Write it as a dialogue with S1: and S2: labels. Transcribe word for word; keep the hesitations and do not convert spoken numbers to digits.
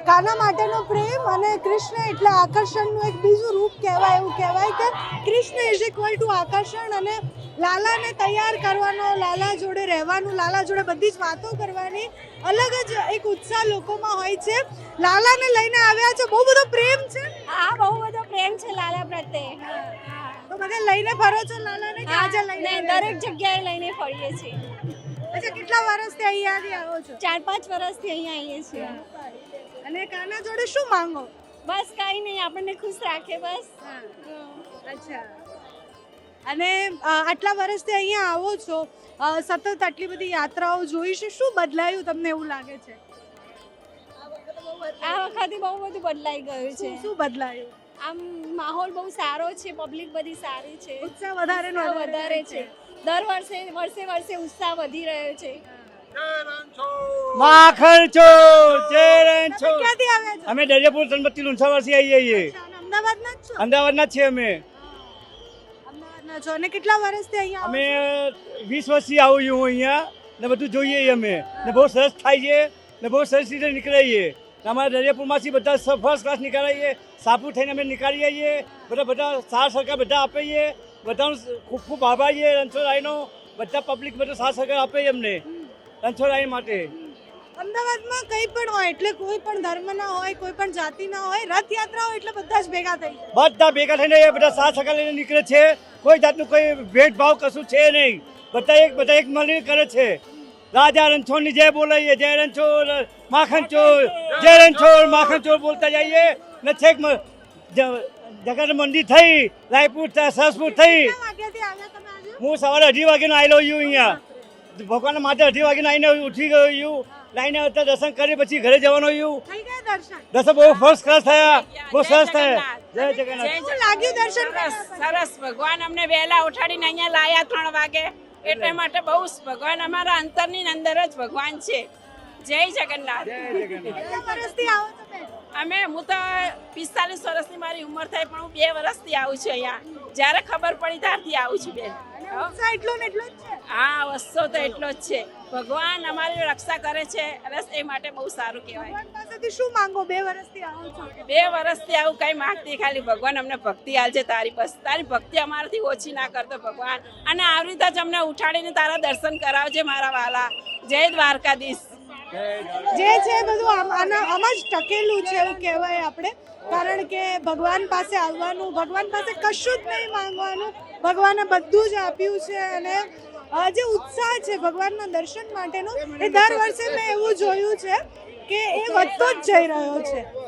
S1: કાના માટેનો પ્રેમ અને કૃષ્ણ એટલે આકર્ષણનું એક બીજું રૂપ કહેવાય. એવું કહેવાય કે કૃષ્ણ ઇઝ ઇક્વલ ટુ આકર્ષણ, અને લાલાને તૈયાર કરવાનો, લાલા જોડે રહેવાનું, લાલા જોડે બધી જ વાતો કરવાની અલગ જ એક ઉત્સાહ લોકોમાં હોય છે. લાલાને લઈને આવ્યા છે, બહુ બધો પ્રેમ છે.
S2: હા, બહુ બધો પ્રેમ છે લાલા પ્રત્યે.
S1: તો બધે લઈને ફરો છો લાલાને કે આજે લઈને
S2: ને દરેક જગ્યાએ લઈને ફરીએ છીએ.
S1: અચ્છા, કેટલા વર્ષથી અહીંયાથી આવો છો?
S2: ચાર પાંચ વર્ષથી અહીંયા આવીએ છીએ.
S1: અને કાના જોડે શું માંગો?
S2: બસ કાંઈ નહીં, આપણને ખુશ રાખે બસ.
S1: અચ્છા, અને અ, આટલા વર્ષથી અહીંયા આવો છો, અ, સતત આટલી બધી યાત્રાઓ જોઈ છે, શું બદલાયું તમને એવું લાગે છે?
S2: આ વખતે બહુ બધું બદલાઈ ગયું છે.
S1: શું શું બદલાયું?
S2: આમ માહોલ બહુ સારો છે, પબ્લિક બધી સારી છે,
S1: ઉત્સાહ વધારે ને
S2: ઉત્સાહ વધારે છે. દર વર્ષે વર્ષે વર્ષે ઉત્સાહ વધી રહ્યો છે.
S3: માખણ ચોર જય રણછોડ.
S1: ક્યાંથી આવ્યા છો?
S3: અમે દરિયાપુર સનબત્તી લુણસાવાથી આવીએ છીએ.
S1: અચ્છા, અને અમદાવાદના જ છો?
S3: અમદાવાદના જ છીએ અમે.
S1: અમદાવાદના છો, અને કેટલા વર્ષથી અહીંયા આવો
S3: અમે
S1: છો?
S3: વીસ વર્ષથી આવું છું અહીંયા ને બધું જોઈએ છીએ અમે, ને બહુ સરસ થાય છે ને બહુ સરસ રીતે નીકળીએ. અમારા દરિયાપુરમાંથી બધા ફર્સ્ટ ક્લાસ નીકળાઈએ, સાપુર થઈને અમે નીકળીએ છીએ. બધા બધા સાથ સરકાર બધા આપે છે, બધાનું ખૂબ ખૂબ આભાર છે રણછોડરાયનો. બધા પબ્લિક બધો સાથ સરકાર આપે છે અમને રણછોડરાય માટે.
S1: અમદાવાદમાં કંઈ પણ હોય, એટલે કોઈ પણ ધર્મના હોય, કોઈ પણ જાતિના હોય, રથયાત્રા હોય એટલે બધા જ ભેગા થઈ જાય.
S3: બધા ભેગા થઈને એ બધા સાથ સરકાર લઈને નીકળે છે. કોઈ જાતનું કોઈ ભેદભાવ કશું છે નહીં. બધા એક બધા એક મળીને કરે છે. રાજા રણછોડની જય બોલાઈએ, જય રણછોડ માખણ ચોર, જય રણછોડ માખણ ચોર બોલતા જઈએ ને છેક મ- જ- જગત મંદિર થઈ, રાયપુર થ- સરસપુર થઈ.
S1: કેટલા વાગ્યાથી આવ્યા તમે આજે?
S3: હું સવારે અઢી વાગ્યાનો આવેલો છું અહીંયા. ભગવાનના માટે અઢી વાગ્યાનો આવીને ઉઠી ગયો છું. લાઈને આવતા દર્શન કરી પછી ઘરે જવાનો છું.
S1: થઈ ગયા દર્શન?
S3: દર્શન બહુ ફર્સ્ટ ક્લાસ થયા, બહુ સરસ થયા. જય જગન્નાથ.
S1: શું લાગ્યું દર્શન
S4: સરસ
S1: કર્યા?
S4: સરસ ભગવાન અમને વહેલા ઉઠાડીને અહીંયા લાયા ત્રણ વાગે, એટલે માટે બહુ જ ભગવાન અમારા અંતરની અંદર જ ભગવાન છે. જય જગન્નાથ.
S3: જય જગન્નાથ.
S1: કેટલા વર્ષથી આવો તમે?
S4: અમે હું તો પિસ્તાલીસ વર્ષની મારી ઉંમર થઈ, પણ હું બે વર્ષથી આવું છું અહીંયા. જ્યારે ખબર પડી ત્યારથી આવું છું બેન.
S1: અને ઉત્સાહ એટલો ને એટલો જ છે.
S4: હા, વસ્તુ તો એટલો જ છે. ભગવાન અમારી રક્ષા કરે છે, અને એ માટે બહુ સારું કહેવાય.
S1: ભગવાન પાસેથી શું માંગો? બે વર્ષથી આવો છો.
S4: બે વર્ષથી આવું કઈ માંગતી, ખાલી ભગવાન અમને ભક્તિ આલજે તારી. બસ તારી ભક્તિ અમારાથી ઓછી ના કરતો ભગવાન, અને આવી રીતે જ અમને ઉઠાડીને તારા દર્શન કરાવજે મારા વાલા. જય દ્વારકાધીશ.
S1: જે છે બધું આમ- આના આમાં જ ટકેલું છે એવું કહેવાય આપણે, કારણ કે ભગવાન પાસે આવવાનું, ભગવાન પાસે કશું જ નહીં માંગવાનું, ભગવાને બધું જ આપ્યું છે. અને આ જે ઉત્સાહ છે ભગવાનના દર્શન માટેનો, એ દર વર્ષે મેં એવું જોયું છે કે એ વધતો જ જઈ રહ્યો છે.